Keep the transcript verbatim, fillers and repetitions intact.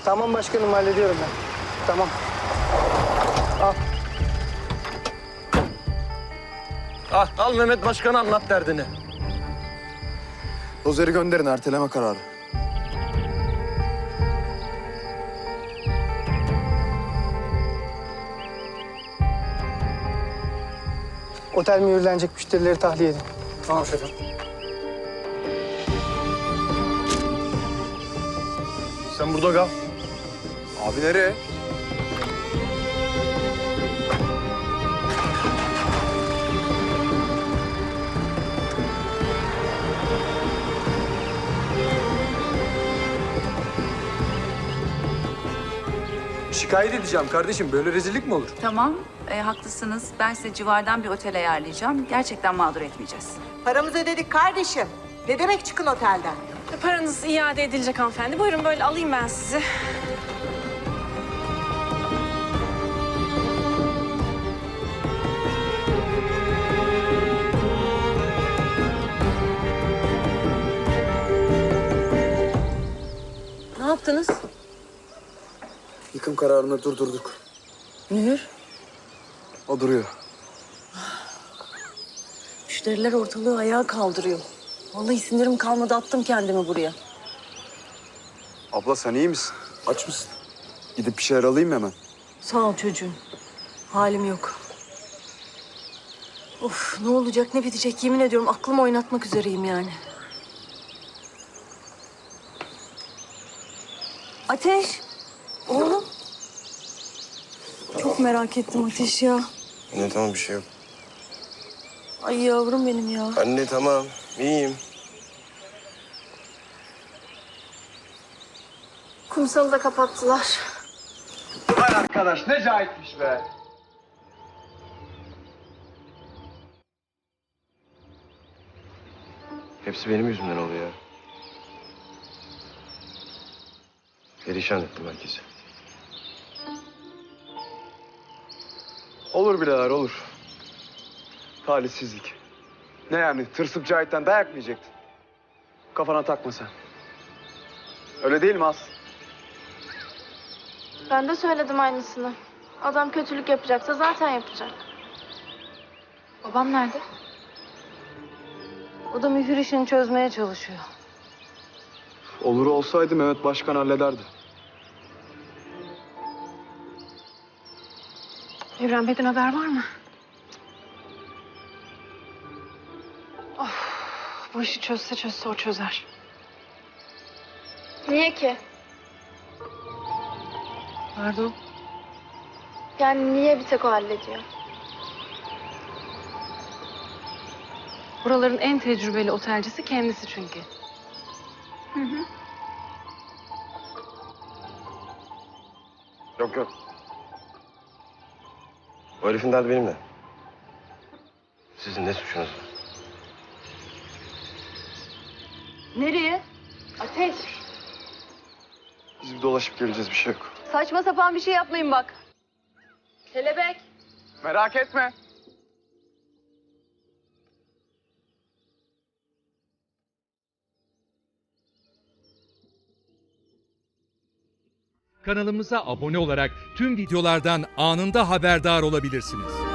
Tamam başkanım, hallediyorum ben. Tamam. Al. Al, al Mehmet Başkan'a anlat derdini. Dozeri gönderin, erteleme kararı. Otel mühürlenecek, müşterileri tahliye edin. Tamam şefim. Sen burada kal. Abi nereye? Şikayet edeceğim kardeşim. Böyle rezillik mi olur? Tamam, e, haklısınız. Ben size civardan bir otel ayarlayacağım. Gerçekten mağdur etmeyeceğiz. Paramızı ödedik kardeşim. Ne demek çıkın otelden? Paranız iade edilecek hanımefendi. Buyurun böyle alayım ben sizi. Ne yaptınız? Yıkım kararını durdurduk. Mühür. O duruyor. Müşteriler ortalığı ayağa kaldırıyor. Vallahi sinirim kalmadı, attım kendimi buraya. Abla sen iyi misin? Aç mısın? Gidip bir şeyler alayım mı hemen? Sağ ol çocuğum. Halim yok. Of, ne olacak ne bitecek yemin ediyorum aklımı oynatmak üzereyim yani. Ateş. Oğlum. Çok merak ettim Ateş ya. Anne tamam, bir şey yok. Ay yavrum benim ya. Anne tamam, iyiyim. Kumsalı da kapattılar. Vay arkadaş ne cahitmiş be. Hepsi benim yüzümden oluyor. Perişan ettim herkesi. Olur birader olur. Talihsizlik. Ne yani tırsıp Cahit'ten dayak mı yiyecektin? Kafana takma sen. Öyle değil mi Aslı? Ben de söyledim aynısını. Adam kötülük yapacaksa zaten yapacak. Babam nerede? O da mühür işini çözmeye çalışıyor. Olur olsaydı Mehmet Başkan hallederdi. Evren Bey'den haber var mı? Of, bu işi çözse çözse o çözer. Niye ki? Pardon. Yani niye bir tek o hallediyor? Buraların en tecrübeli otelcisi kendisi çünkü. Hı hı. Yok yok. O herifin derdi benimle. Sizin ne suçunuz var? Nereye? Ateş, Biz bir dolaşıp geleceğiz, bir şey yok. Saçma sapan bir şey yapmayın bak. kelebek. Merak etme. Kanalımıza abone olarak tüm videolardan anında haberdar olabilirsiniz.